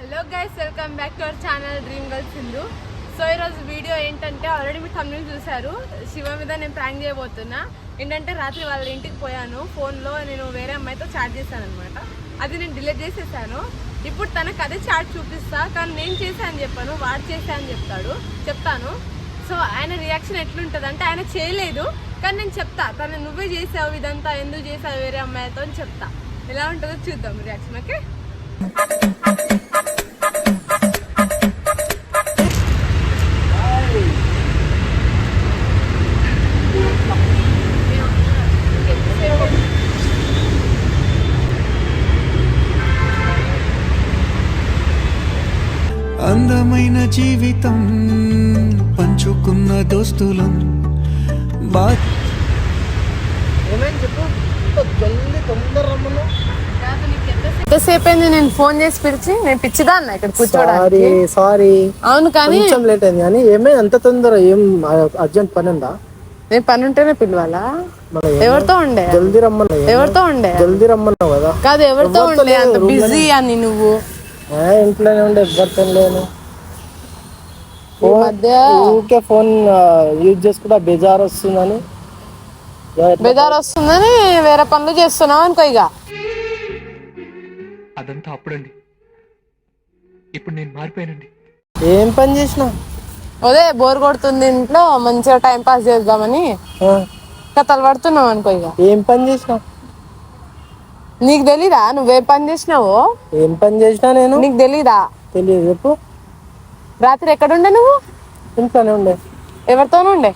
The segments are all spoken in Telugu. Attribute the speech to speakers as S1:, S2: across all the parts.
S1: Hello guys, welcome back to our channel dream girl Sindhu. So ఈరోజు వీడియో ఏంటంటే ఆల్రెడీ మీరు thumbnail చూశారు. శివ మీద నేను ప్రాంక్ చేయబోతున్నా. ఏంటంటే రాత్రి వాళ్ళ ఇంటికి పోయాను. ఫోన్లో నేను వేరే అమ్మాయితో చాట్ చేశాను అనమాట. అది నేను డిలీట్ చేసేసాను. ఇప్పుడు తనకు అదే చాట్ చూపిస్తా, కానీ నేను చేశాను చెప్పాను, వాడు చేశా అని చెప్తాను. సో ఆయన రియాక్షన్ ఎట్లుంటుంది అంటే, ఆయన చేయలేదు కానీ నేను చెప్తా, తను నువ్వే చేసావు ఇదంతా, ఎందుకు చేసావు వేరే అమ్మాయితో అని చెప్తా. ఎలా ఉంటుందో చూద్దాం రియాక్షన్. ఓకే,
S2: అందమైన జీవితం పంచుకున్న దోస్తులం
S1: ఎంతసేపు అయింది నేను ఫోన్ చేసి పిలిచి? నేను పిచ్చిదా అన్న ఇక్కడ కూర్చోడానికి.
S3: సారీ
S1: అవును, కానీ
S3: కొంచెం లేట్ అయింది. కానీ ఏమే అంత తొందర? ఏం అర్జెంట్ పని ఉందా?
S1: నేను పని ఉంటేనే పిలవాలా? ఎవరితో ఉండే?
S3: జల్దీ రమ్మన్నా.
S1: ఎవరితో ఉండే?
S3: జల్దీ రమ్మన్నావు కదా.
S1: కాదు, ఎవరితో ఉండే? అంత బిజీ అని నువ్వు?
S3: ఇంట్లోనే ఉండే, ఎవరితో లేను.
S1: మధ్య
S3: ఊరికే ఫోన్ యూజ్ చేసుకుంటా బేజార్ వస్తుందని
S1: వేరే పనులు చేస్తున్నావు అనుకో. ఇక
S4: అదంతా అప్పుడండి, ఇప్పుడు నేను మారిపోయానండి.
S3: ఏం పని చేసినా?
S1: అదే బోర్ కొడుతుంది ఇంట్లో, మంచిగా టైం పాస్ చేద్దామని కథలు పడుతున్నావు అనుకో. ఇక
S3: ఏం పని చేసినా?
S1: నీకు తెలీదా నువ్వేం పని చేసినావో?
S3: ఏం పని చేసినా నేను?
S1: నీకు తెలీదా?
S3: తెలియదు. చెప్పు.
S1: రాత్రి ఎక్కడుండే నువ్వు?
S3: ఇంట్లోనే ఉండే.
S1: ఎవరితోనూ ఉండే?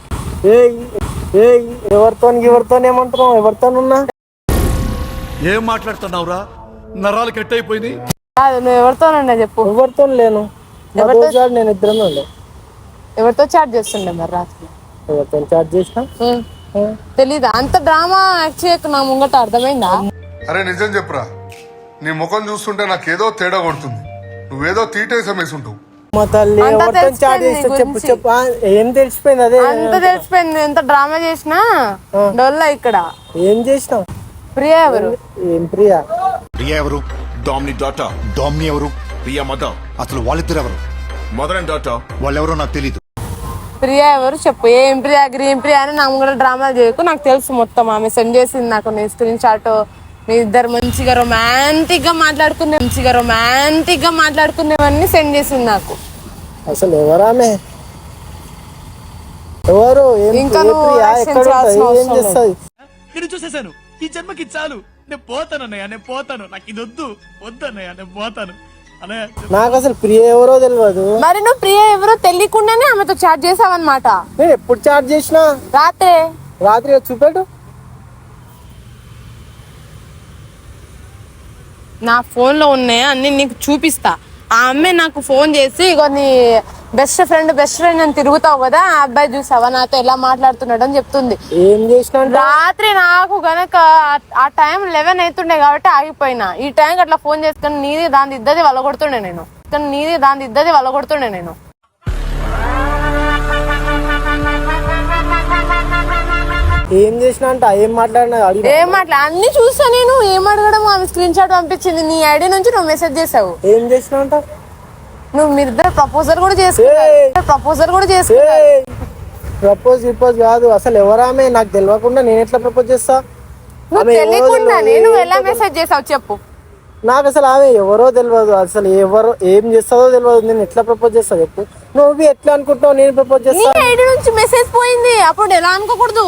S3: ఎవరితో ఏమంటున్నావు? ఎవరితోనున్నా?
S5: ఏం మాట్లాడుతున్నావురా? నరాలు కట్ అయిపోయింది.
S1: కాదు, నువ్వు ఎవరితోనుండే చెప్పు.
S3: ఎవరితో లేను. నేను ఇద్దరమే ఉండే.
S1: ఎవరితో చాట్ చేస్తుండే మరి రాత్రి?
S3: ఎవరితో చాట్ చేసినా?
S1: తెలీదా? అంత డ్రామా యాక్ట్ చేయకు నా ముంగట, అర్థమైందా?
S6: అరే నిజం చెప్పురా, నీ ముఖం చూస్తుంటే నాకేదో తేడా కొడుతుంది. నువ్వేదో తీటేసం వేసుంటావు.
S3: మా తల్లి ఎవరితో చాట్ చేస్తా? చెప్పు చెప్పు. ఏం తెలిసిపోయింది? అదే
S1: అంత తెలిసిపోయింది. ఎంత డ్రామా చేసినా డొల్లా ఇక్కడ.
S3: ఏం చేసినావు?
S1: ప్రియా ఎవరు?
S3: ఏం ప్రియా?
S7: ప్రియా ఎవరు? డామ్ని డాటా. డామ్ని ఎవరు? ప్రియా మదర్. అసలు వాళ్ళిద్దరు ఎవరు? Mother and daughter. వాళ్ళెవరో నాకు తెలీదు.
S1: ప్రియా ఎవరు చెప్పు. ఏం ప్రియా గ్రీన్ ప్రియా అని నా ముంగట డ్రామాలు చేయకు. నాకు తెలుసు మొత్తం. ఆమె సెండ్ చేసింది నాకు నీ స్క్రీన్ షాట్. మీ ఇద్దరు మంచిగా రొమాంటిక్ గా మాట్లాడుకునేవన్నీ సెండ్ చేసింది నాకు.
S3: అసలు ఎవరామె? ఎవరు?
S1: ఇంకా
S3: ఏం చేస్తుంది?
S5: నేను చూసేశాను. ఈ జన్మకి చాలు. నేను పోతాను అన్నయ్య, నేను పోతాను. నాకు ఇది వద్దన్నయ్య, నేను పోతాను అన్నయ్య.
S3: నాకు అసలు ప్రియ ఎవరో తెలియదు.
S1: మరి నువ్వు ప్రియ ఎవరో తెలియకుండానే ఆమెతో చాట్ చేసావన్నమాట.
S3: నేను ఎప్పుడు చాట్ చేసినా? రాత్రి చూపెట్టు.
S1: నా ఫోన్ లో ఉన్నాయి అన్ని నీకు చూపిస్తా. ఆ అమ్మాయి నాకు ఫోన్ చేసి, ఇగో నీ బెస్ట్ ఫ్రెండ్ అని తిరుగుతావు కదా, ఆ అబ్బాయి చూసావా నాతో ఎలా మాట్లాడుతున్నాడు అని చెప్తుంది.
S3: ఏం చేసినా?
S1: రాత్రి నాకు గనక ఆ టైం 11 అవుతుండే కాబట్టి ఆగిపోయినా. ఈ టైంకి అట్లా ఫోన్ చేసుకుని నీది దాని ఇద్దది వల్లగొడుతుండే నేను.
S3: ఏం చేసినా అంట? ఏం మాట్లాడినా?
S1: అన్ని చూసా నేను. ఏం అడగడం? ఆమె స్క్రీన్ షాట్ పంపించింది. నీ ఐడి నుంచి నువ్వు మెసేజ్ చేసావు.
S3: ఏం చేసినా అంట?
S1: నువ్వు మీరిద్దరు ప్రపోజల్ కూడా చేసుకున్నారు.
S3: ప్రపోజ్ కాదు. అసలు ఎవరామె? నాకు తెలియకుండా నేను ఎట్లా ప్రపోజ్ చేస్తా?
S1: నువ్వు తెలియకుండానే నువ్వు ఎలా మెసేజ్ చేసావు చెప్పు.
S3: నాకు అసలు ఆమె ఎవరో తెలియదు. అసలు ఎవరు ఏం చేస్తుందో తెలియదు. నేను ఎట్లా ప్రపోజ్ చేస్తా చెప్పు? నువ్వు ఎట్లా అనుకుంటున్నావు నేను ప్రపోజ్ చేస్తా?
S1: నీ ఐడి నుంచి మెసేజ్ పోయింది, అప్పుడు ఎలా అనుకోకూడదు?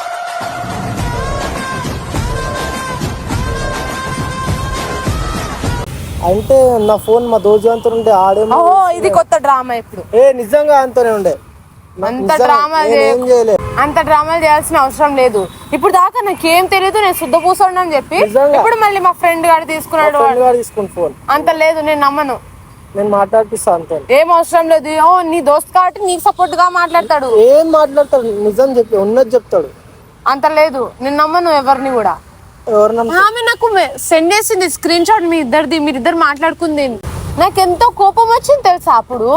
S3: అంటే నా ఫోన్ మా దోజు అంతా ఉండే. ఆడేమో
S1: ఇది కొత్త డ్రామా. ఇప్పుడు
S3: నిజంగా అంతనే ఉండే.
S1: అంత డ్రామాలు చేయాల్సిన అవసరం లేదు. ఇప్పుడు దాకా నాకేం తెలియదు, నేను శుద్ధ పూసోడు అని చెప్పి ఇప్పుడు మళ్ళీ మా ఫ్రెండ్ గారు తీసుకున్నాడు.
S3: ఫోన్
S1: అంత లేదు, నేను నమ్మను.
S3: నేను మాట్లాడిపిస్తా అంతే.
S1: ఏం అవసరం లేదు. నీ దోస్త్ కాబట్టి నీకు సపోర్ట్ గా మాట్లాడతాడు.
S3: ఏం మాట్లాడతాడు? నిజం చెప్పి ఉన్నది చెప్తాడు.
S1: అంత లేదు, నేను నమ్మను ఎవరిని కూడా. ఆమె నాకు సెండ్ చేసింది స్క్రీన్ షాట్ మీరిద్దరు మాట్లాడుకుంది. నాకెంతో కోపం వచ్చింది తెలుసా అప్పుడు.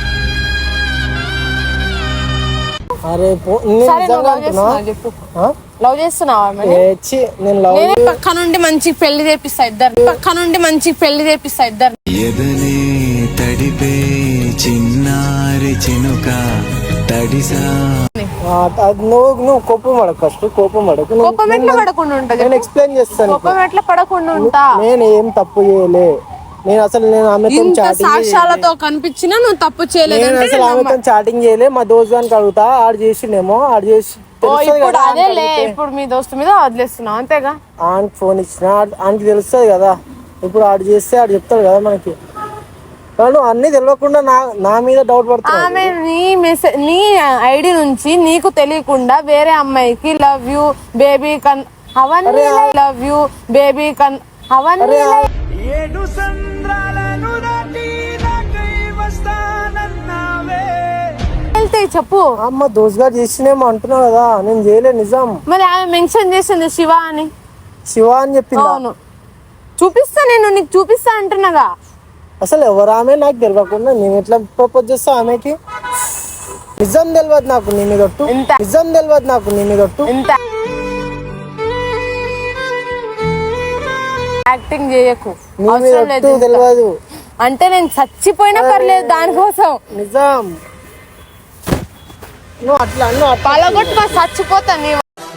S3: అరే
S1: చెప్పు. లవ్ చేస్తున్నావా ఆమెని?
S3: నేను లవ్
S1: నేనే పక్క నుండి మంచి పెళ్లి చేపిస్తా ఇద్దరు, పక్క నుండి మంచి పెళ్లి చేపిస్తా ఇద్దరు.
S2: ఎదనే తడిపే చిన్నారి చినుక తడిసా
S3: నువ్వు కోపం పడకు, ఫస్ట్ కోపం పడకు.
S1: కోపం ఎట్లా పడకుండా ఉంటది?
S3: నేను ఎక్స్ప్లెయిన్ చేస్తాను.
S1: కోపం ఎట్లా పడకుండా ఉంటా?
S3: నేను ఏం తప్పు చేయలే. నేను ఆమెతో
S1: ఇంత
S3: చాటింగ్
S1: సాక్ష్యాలతో కనిపించినా నువ్వు తప్పు చేయలేదు
S3: నేను
S1: అంటే
S3: అసలు ఆమెతో చాటింగ్ చేయలే. మా దోస్త్ గానికి అడుగుతా, ఆడు చేసిండేమో, ఆడు చేసి తెలుస్తుంది
S1: ఇప్పుడు
S3: కదా.
S1: అదేలే, ఇప్పుడు మీ దోస్తు మీద వదిలేస్తున్నావు అంతేగా?
S3: ఆనికి ఫోన్ ఇచ్చిన ఆనికి తెలుస్తుంది కదా. ఇప్పుడు ఆడు చేస్తే ఆడు చెప్తాడు కదా మనకి. వాళ్ళు అన్ని తెలియకుండా నా మీద డౌట్ పడుతుంది.
S1: ఆమె నీ ఐడి నుంచి నీకు తెలియకుండా వేరే అమ్మాయికి లవ్ యూ బేబీ కన్ అవన్నీ లవ్ యూ బేబీ కన్ అవన్నీ వెళ్తాయి. చెప్పు.
S3: అమ్మ దోస్త్ గారు చేసినేమో అంటున్నావు కదా, నేను చేయలే నిజం.
S1: మరి ఆమె మెన్షన్ చేసింది శివ అని.
S3: శివ అని చెప్పింది.
S1: అవును, చూపిస్తా, నేను నీకు చూపిస్తా అంటున్నాగా.
S3: అసలు ఎవరు ఆమె నాకు తెలియకుండా నేను ఎట్లా ప్రపోజ్ చేస్తా ఆమెకి? నిజం తెలియదు నాకు నీ మీద ఒట్టు. నిజం తెలియదు నాకు నీ మీద ఒట్టు.
S1: ఎంత యాక్టింగ్ చేయకు,
S3: నీ మీద
S1: అవసరం
S3: ఒట్టు
S1: లేదు.
S3: తెలియదు
S1: అంటే నేను చచ్చిపోయినా పర్లేదు దానికోసం.
S3: నిజం. నువ్వు అట్లా
S1: పలగొట్టు, చచ్చిపోతా నీ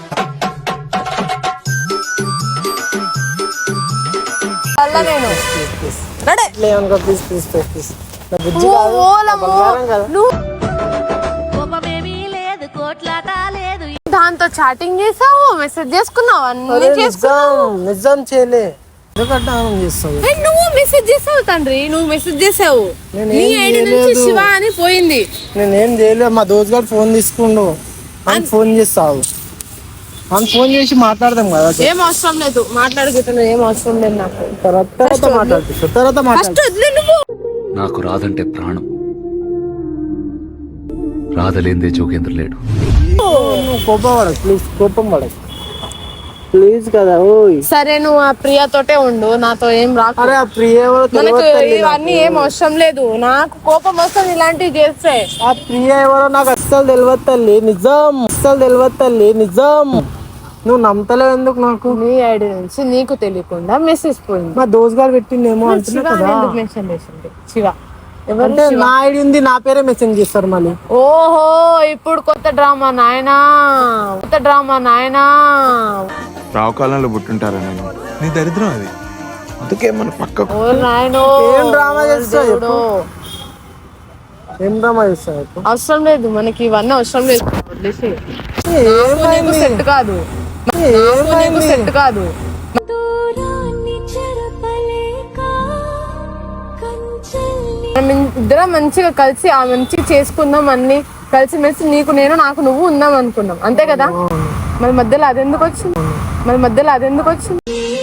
S1: వల్ల. నేను రెడీ.
S3: లేవనుకో, ప్లీజ్ ప్లీజ్ ప్లీజ్ ప్లీజ్. నా బుజ్జి కాదు, నా బంగారం కదా.
S1: దాంతో చాటింగ్ చేసావు, మెసేజ్ చేసుకున్నావు, అన్ని
S3: అరే
S1: చేసుకున్నావు.
S3: నిజం చేయలే. ఎందుకంటే ఆమె చేస్తావు.
S1: నువ్వు మెసేజ్ చేసావు తండ్రి, నువ్వు మెసేజ్ చేసావు.
S3: నేనేం
S1: నీ ఐడి నుంచి
S3: చేయలేదు.
S1: శివ అని పోయింది.
S3: నేనేం చేయలేదు. మా దోస్త్ గారు ఫోన్ తీసుకుండు, అని ఫోన్ చేస్తావు. అని ఫోన్ చేసి మాట్లాడదాం కదా.
S1: ఏం అవసరం లేదు, మాట్లాడుకుంటున్నావు, ఏం అవసరం లేదు నాకు.
S3: తర్వాత మాట్లాడుతుంది, తర్వాత
S1: ఫస్ట్ వదిలే నువ్వు.
S8: నాకు రాదంటే ప్రాణం, రాదలేందే జోగేంద్ర లేడు.
S3: నువ్వు కోపం పడకు ప్లీజ్, కోపం పడకు ప్లీజ్ కదా. ఓయ్
S1: సరే, నువ్వు ఆ ప్రియతోటే ఉండు, నాతో ఏం రాకు.
S3: అరే ఆ ప్రియ ఎవరో
S1: మనకు
S3: తెలియదు తల్లి
S1: ఇవన్నీ
S3: నాకు.
S1: ఏం అవసరం లేదు. నాకు కోపం వస్తుంది ఇలాంటివి చేస్తే.
S3: ఆ ప్రియ ఎవరో నాకు అస్సలు తెలియదు తల్లి, నిజం. అస్సలు తెలియదు తల్లి, నిజం. నువ్వు నమ్మతలేవు ఎందుకు నాకు?
S1: నీ ఐడి నుంచి నీకు తెలియకుండా మెసేజ్ పోయింది.
S3: మా దోస్త్ గారు పెట్టిండేమో అంటున్నా
S1: శివ
S3: కదా.
S1: ఎందుకు మెన్షన్ చేసింది? శివ ఎవరు?
S3: అంటే నా ఐడి ఉంది, నా పేరే మెసేజ్ చేస్తారు మళ్ళీ.
S1: ఓహో, ఇప్పుడు కొత్త డ్రామా నాయనా, కొత్త డ్రామా నాయనా.
S9: రావు కాలంలో పుట్టుంటారా నేను? నీ దరిద్రం అది. అందుకే మన పక్క
S1: ఓ నాయనో,
S3: ఏం డ్రామా చేస్తావు
S1: దేవుడో.
S3: ఏం డ్రామా చేస్తావు చెప్పు?
S1: అవసరం లేదు మనకి, ఇవన్నీ అవసరం లేదు. వదిలేసి. నాకు నీకు
S3: ఏమైంది?
S1: సెట్ కాదు, నాకు నీకు సెట్ కాదు. మనం ఇద్దరం మంచిగా కలిసి ఆ మంచిగా చేసుకుందాం, అన్ని కలిసిమెలిసి నీకు నేను నాకు నువ్వు ఉందాం అనుకున్నాం, అంతే కదా? మన మధ్యలో అదెందుకు వచ్చింది? మన మధ్యలో అదెందుకు వచ్చింది?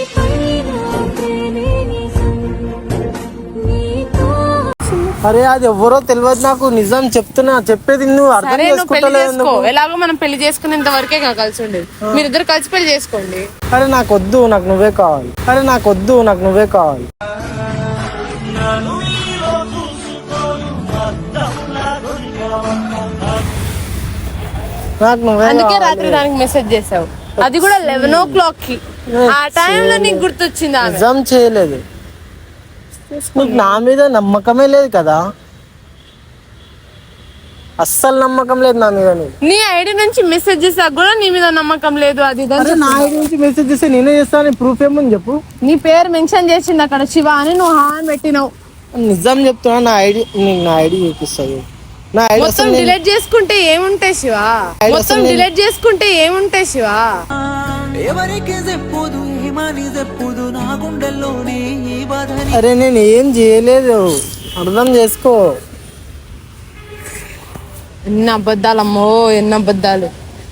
S3: అరే అది ఎవరో తెలియదు నాకు, నిజం చెప్తున్నా. చెప్పేది నువ్వు అర్థం
S1: సరే, నువ్వు పెళ్లి
S3: చేసుకుంటలేవు
S1: చేసుకో.
S3: ఎందుకు?
S1: ఎలాగో మనం పెళ్లి చేసుకునేంత వరకే కలిసి ఉండేది. మీరిద్దరు కలిసి పెళ్లి చేసుకోండి.
S3: అరే నాకు వద్దు, నాకు నువ్వే కావాలి. అరే నాకు వద్దు, నాకు నువ్వే కావాలి. నాకు నువ్వే
S1: అందుకే
S3: కావాలి.
S1: రాత్రి దానికి మెసేజ్ చేసావు, అది కూడా 11 o'clock కి. ఆ టైంలో నీకు గుర్తొచ్చింది ఆమె.
S3: నిజం చేయలేదు. నీకు నా మీద నమ్మకమే లేదు కదా, అస్సలు నమ్మకం లేదు నా మీద. నీకు
S1: నీ ఐడి నుంచి మెసేజ్ చేసాక కూడా నీ మీద నమ్మకం లేదు. అది ఇది అని
S3: అరే నా ఐడి నుంచి మెసేజ్ చేస్తే నేనే చేస్తాను. ప్రూఫ్ ఏముంది చెప్పు?
S1: నీ పేరు మెన్షన్ చేసింది అక్కడ శివ అని, నువ్వు హాన్ పెట్టినావు.
S3: నిజం చెప్తున్నా, నా ఐడి నీకు నా ఐడి చూపిస్తుంది. నా ఐడి
S1: మొత్తం డిలీట్ చేసుకుంటే ఏముంటాయి శివ? మొత్తం డిలీట్ చేసుకుంటే ఏముంటాయి శివ?
S3: అరే నేను ఏం చేయలేదు, అర్థం చేసుకో.
S1: ఎన్ని అబద్ధాలమ్మో, ఎన్ని అబద్ధాలు.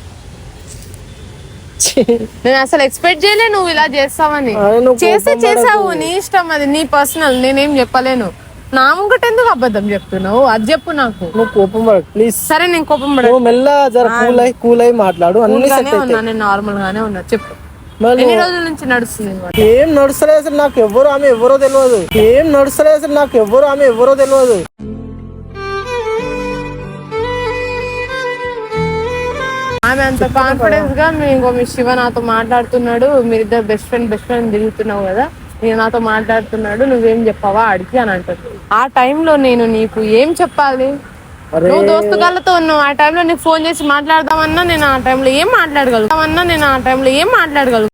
S1: నేను అసలు ఎక్స్పెక్ట్ చేయలే నువ్వు ఇలా చేస్తావని.
S3: అరే నువ్వు
S1: చేస్తే
S3: కోపం
S1: చేసావు,
S3: పడకు.
S1: నీ ఇష్టం, అది నీ పర్సనల్, నేనేం చెప్పలేను. నా ముంగట ఎందుకు అబద్ధం చెప్తున్నావు? అది చెప్పు నాకు.
S3: నువ్వు కోపం పడకు ప్లీజ్.
S1: సరే, నేను కోపం
S3: నువ్వు మెల్ల జర కూల్ అయి మాట్లాడు, అన్ని సెట్
S1: పడగానే ఉన్నా,
S3: అవుతాయి.
S1: నేను నార్మల్ గానే ఉన్నా. చెప్పు,
S3: మరి
S1: ఎన్ని రోజుల నుంచి నడుస్తుంది అన్నమాట?
S3: ఏం నడుస్తలేదు అసలు, నాకు ఎవరు ఆమె ఎవరో తెలియదు. ఏం నడుస్తలేదు అసలు, నాకు ఎవరు ఆమె ఎవరో తెలియదు.
S1: ఆ ఆమె అంత కాన్ఫిడెన్స్ గా మీ శివ నాతో మాట్లాడుతున్నాడు, మీరిద్దరు బెస్ట్ ఫ్రెండ్ తిరుగుతున్నావు కదా, నేను నాతో మాట్లాడుతున్నాడు, నువ్వేం చెప్పావా అడిగి అని అంటారు. ఆ టైంలో నేను నీకు ఏం చెప్పాలి? నువ్వు దోస్తుగాళ్ళతో ఉన్నావు, ఆ టైంలో నీకు ఫోన్ చేసి మాట్లాడదామన్నా నేను ఆ టైంలో ఏం మాట్లాడగలను?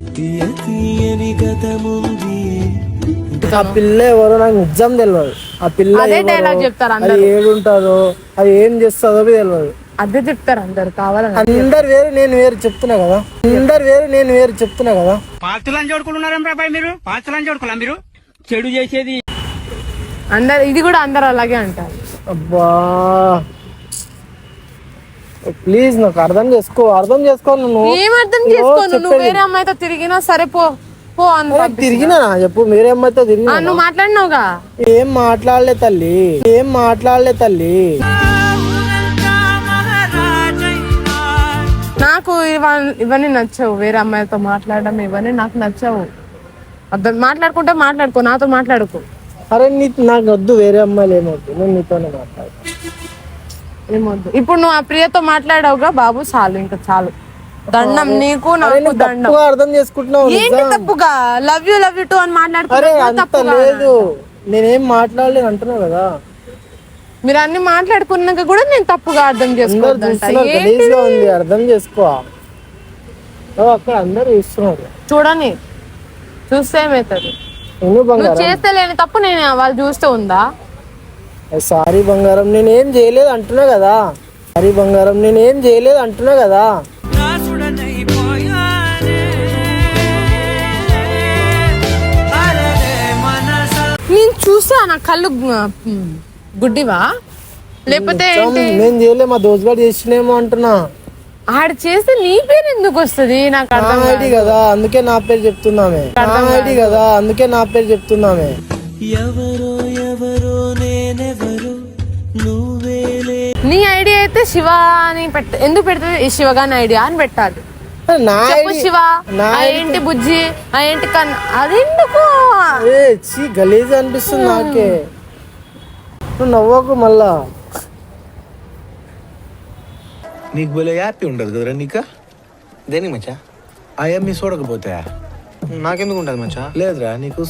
S3: ఆ పిల్ల ఎవరో నాకు నిజం తెలియదు. ఆ పిల్ల
S1: అదే డైలాగ్ చెప్తారు
S3: అది ఏడుంటారో, అది ఏం చేస్తుందో తెలియదు.
S1: అదే చెప్తారు అందరు, కావాలని
S3: అందరు వేరు నేను వేరు చెప్తున్నా కదా,
S5: పాత్రలను చూడుకుంటున్నారా మీరు? పాత్రలను చూడుకోలే మీరు చెడు చేసేది
S1: అందరు, ఇది కూడా అందరు అలాగే అంటారు.
S3: అబ్బా ప్లీజ్ నాకు అర్థం చేసుకో నువ్వు.
S1: ఏం అర్థం చేసుకోను? నువ్వు వేరే అమ్మాయితో తిరిగినా సరే పో
S3: తిరిగినా చెప్పు, మీరే అమ్మాయితో తిరిగినా?
S1: నువ్వు మాట్లాడినావుగా.
S3: ఏం మాట్లాడలే తల్లి.
S1: నాకు ఇవన్నీ నచ్చవు, వేరే అమ్మాయితో మాట్లాడడం ఇవన్నీ నాకు నచ్చవు. అర్థం మాట్లాడుకుంటే మాట్లాడుకో, నాతో మాట్లాడుకో.
S3: అరే నాకు వద్దు, వేరే అమ్మాయిలు ఏమొద్దు, నేను నీతోనే మాట్లాడు.
S1: ఏమొద్దు. ఇప్పుడు నువ్వు ఆ ప్రియతో మాట్లాడావుగా బాబు, చాలు, ఇంకా చాలు. దండం నీకు, నాకు దండం.
S3: అర్థం చేసుకుంటున్నావు.
S1: ఏంటి తప్పుగా లవ్ యూ టూ అని
S3: మాట్లాడుకోలేదు, నేనేం మాట్లాడలేదు అంటున్నావు కదా.
S1: మీరు అన్ని మాట్లాడుకున్నాక కూడా నేను తప్పుగా అర్థం చేసుకోవద్దు.
S3: అర్థం చేసుకో, అక్కడ అందరు చూస్తున్నారు.
S1: చూడని చూస్తే ఏమవుతుంది? నువ్వు చేస్తే లేని తప్పు నేను వాళ్ళు చూస్తే ఉందా?
S3: సారీ బంగారం, నేనేం చేయలేదు అంటున్నా కదా.
S1: నేను చూసా, నా కళ్ళు గుడ్డివా లేకపోతే
S3: నేను చేయలే, మా దోస్తుగాడు చేసినేమో అంటున్నా.
S1: ఆడు చేస్తే నీ పేరు ఎందుకు వస్తుంది? నాకు అర్థం
S3: ఐడి కదా, అందుకే నా పేరు చెప్తున్నామే.
S1: నీ ఐడియా అయితే శివ అని ఎందుకు పెడుతుంది? ఈ శివగాని ఐడియా అని పెట్టాలి. శివ ఏంటి బుజ్జి, ఏంటి కన్నా, అదెందుకు
S3: గలీజ్ అనిపిస్తుంది నాకే. నువ్వు నవ్వకు మళ్ళా.
S9: నీకు బోలే హ్యాపీ ఉండదు కదరా నీకా? దేనికి మచ్చా? అయ్యా మీ చూడకపోతే నాకెందుకు ఉంటుంది మచ్చా? లేదురా నీకు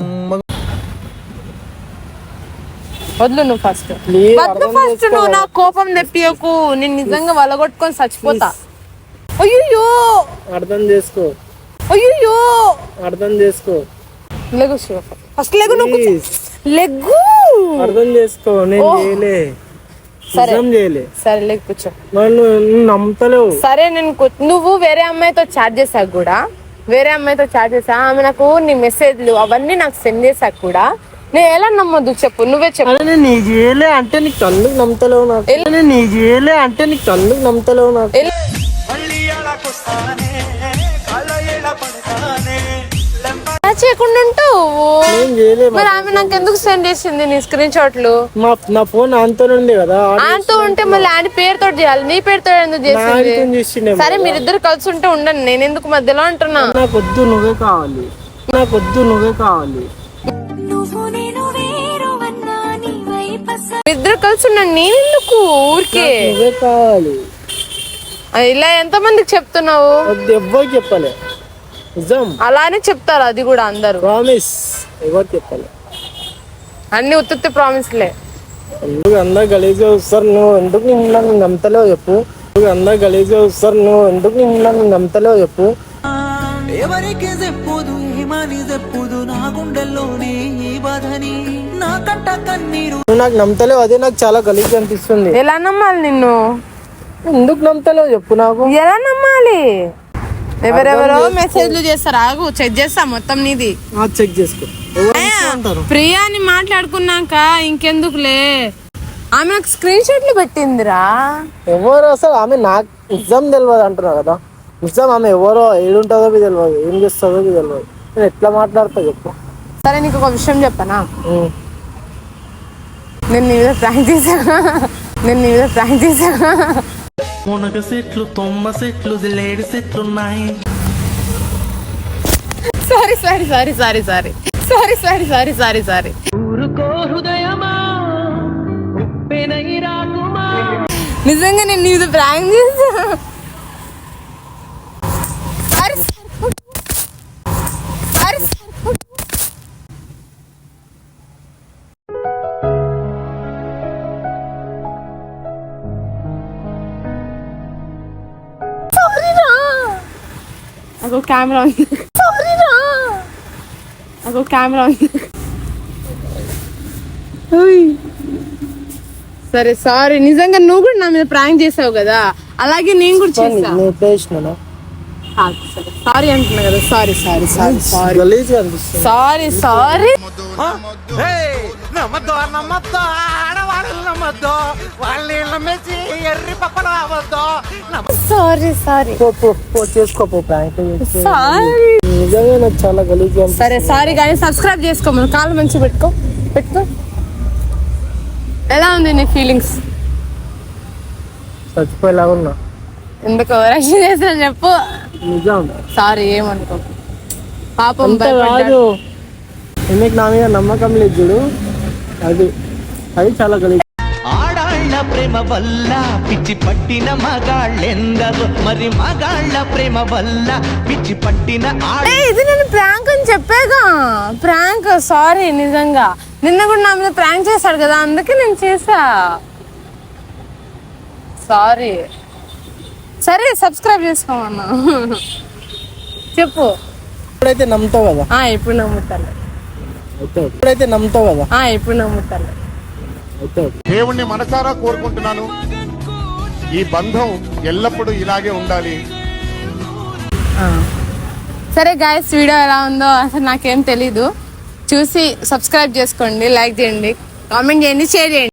S1: వద్దు నువ్వు ఫస్ట్ నువ్వు నా కోపం తెప్పియకు, నేను నిజంగా వలగొట్టుకొని చచ్చిపోతా. అయ్యో
S3: అర్థం చేసుకో. లెగు శివ,
S1: ఫస్ట్ లెగు, నువ్వు లెగ్గు.
S3: అర్థం చేసుకో, నేను చేయలే.
S1: సరే లెగ్ కూర్చో.
S3: నమ్ముతలేవు.
S1: సరే నువ్వు వేరే అమ్మాయితో చాట్ చేశాక కూడా, ఆమె నాకు నీ మెసేజ్లు అవన్నీ నాకు సెండ్ చేశాక కూడా నేను ఎలా నమ్మొద్దు చెప్పు? నువ్వే చెప్పు.
S3: నీ చేయలే అంటే నీకు కళ్ళుకు నమ్ముతలేవు నాకు.
S1: చేయకుండా మరి ఆమె నాకు ఎందుకు సెండ్ చేసింది నీ స్క్రీన్ షాట్లు?
S3: నా ఫోన్ ఆన్తో ఉంది కదా.
S1: ఆన్తో ఉంటే మళ్ళీ ఆయన పేరుతో చేయాలి, నీ పేరుతో ఎందుకు చేసింది? సరే మీరిద్దరు కలిసి ఉంటే ఉండండి, నేను ఎందుకు మధ్యలో అంటున్నా?
S3: నాకు వద్దు, నువ్వే కావాలి.
S1: ఇద్దరు కలిసి ఉండండి, నేను ఎందుకు ఊరికే?
S3: నువ్వే కావాలి.
S1: ఇలా ఎంత మందికి చెప్తున్నావు?
S3: ఎవ్వరు చెప్పలే, నిజం.
S1: అలానే చెప్తారు, అది కూడా అందరు.
S3: ప్రామిస్, ఎవరు చెప్పలే.
S1: అన్ని ఉత్తి ప్రామిస్లే.
S3: ఎందుకు అందరు గలీజ్గా వస్తారు? నువ్వు ఎందుకు నన్ను నమ్మతలేవు చెప్పు?
S2: ఎవరికి చెప్పుదు ఏమని చెప్పుదు నా గుండెల్లోని ఈ బాధని నా కంట కన్నీరు.
S3: నువ్వు నాకు నమ్మతలేవు, అదే నాకు చాలా గలీజ్ అనిపిస్తుంది.
S1: ఎలా నమ్మాలి నిన్ను?
S3: ఎందుకు నమ్మతలేవు చెప్పు నాకు?
S1: ఎలా నమ్మాలి? ఎవరెవరో మెసేజ్లు చేస్తారు, ఆగు చెక్ చేస్తా మొత్తం నీది.
S3: చెక్ చేసుకో.
S1: ప్రియాని మాట్లాడుకున్నాక ఇంకెందుకులే, ఆమె నాకు స్క్రీన్ షాట్లు పెట్టిందిరా.
S3: ఎవరు అసలు ఆమె? నాకు నిజం తెలియదు అంటున్నా కదా. నిజం ఆమె ఎవరో, ఏడుంటుందో తెలియదు, ఏం చేస్తుందో తెలియదు. నేను ఎట్లా మాట్లాడతా చెప్పు?
S1: సరే నీకు ఒక విషయం చెప్పనా? నేను నీ మీద ప్రాంక్ చేశా.
S2: మునగ సెట్లు, తొమ్మ సెట్లు, లేడి సెట్లు ఉన్నాయి.
S1: సారీ. నిజంగా నేను నీ మీద ప్రాంక్ చేశా. అగో కెమెరా ఉంది. సారీరా, అగో కెమెరా ఉంది. సరే సారీ, నిజంగా నువ్వు కూడా నా మీద ప్రాంక్ చేసావు కదా, అలాగే నేను కూడా చేసా.
S3: నేను చేసినా
S1: సారీ అంటున్నా కదా, సారీ సారీ సారీ సారీ
S3: గలీజ్గా అనిపిస్తుంది.
S1: Sorry sorry.
S3: నమ్మద్దు నమ్మద్దు ఆడవాళ్ళు నమ్మద్దు వాళ్ళని నమ్మేసి ఎర్రి పప్పలు అవ్వద్దు.
S1: సారీ సారీ
S3: చేసుకోపో ప్రాంక్
S1: సారీ.
S3: నిజంగా నాకు చాలా గలీజ్గా
S1: సరే సారీ కానీ సబ్స్క్రైబ్ చేసుకో, మన కాళ్ళు మంచిగా పెట్టుకో. ఎలా ఉంది నీ ఫీలింగ్స్?
S3: చచ్చిపోయేలా ఉన్నా.
S1: ఎందుకు రక్షణ చేసిన చెప్పు.
S3: నిజం
S1: సారీ ఏమనుకో, పాపం
S3: అంత కాదు, ఎందుకు నా మీద నమ్మకం లేదు చూడు, అది చాలా గలీజ్.
S2: ఆడాళ్ళ ప్రేమ వల్ల పిచ్చి పట్టిన మగాళ్ళెందరో మరి మగాళ్ళ ప్రేమ వల్ల పిచ్చి పట్టిన
S1: ఇది నేను ప్రాంక్ అని చెప్పాగా, ప్రాంక్. సారీ నిజంగా నిన్న కూడా నా మీద ప్రాంక్ చేశాడు కదా, అందుకే నేను చేసా. సారీ. సరే సబ్స్క్రైబ్ చేసుకోమన్నా. చెప్పు.
S3: ఇప్పుడైతే నమ్ముతావు కదా,
S1: ఇప్పుడు నమ్ముతాను.
S3: ఇప్పుడైతే నమ్ముతావు కదా.
S1: ఇప్పుడు నమ్ముతాను.
S7: దేవుణ్ణి మనసారా కోరుకుంటున్నాను, ఈ బంధం ఎల్లప్పుడూ ఇలాగే ఉండాలి.
S1: సరే గాయస్, వీడియో ఎలా ఉందో అసలు నాకేం తెలీదు. చూసి సబ్స్క్రైబ్ చేసుకోండి, లైక్ చేయండి, కామెంట్ చేయండి, షేర్ చేయండి.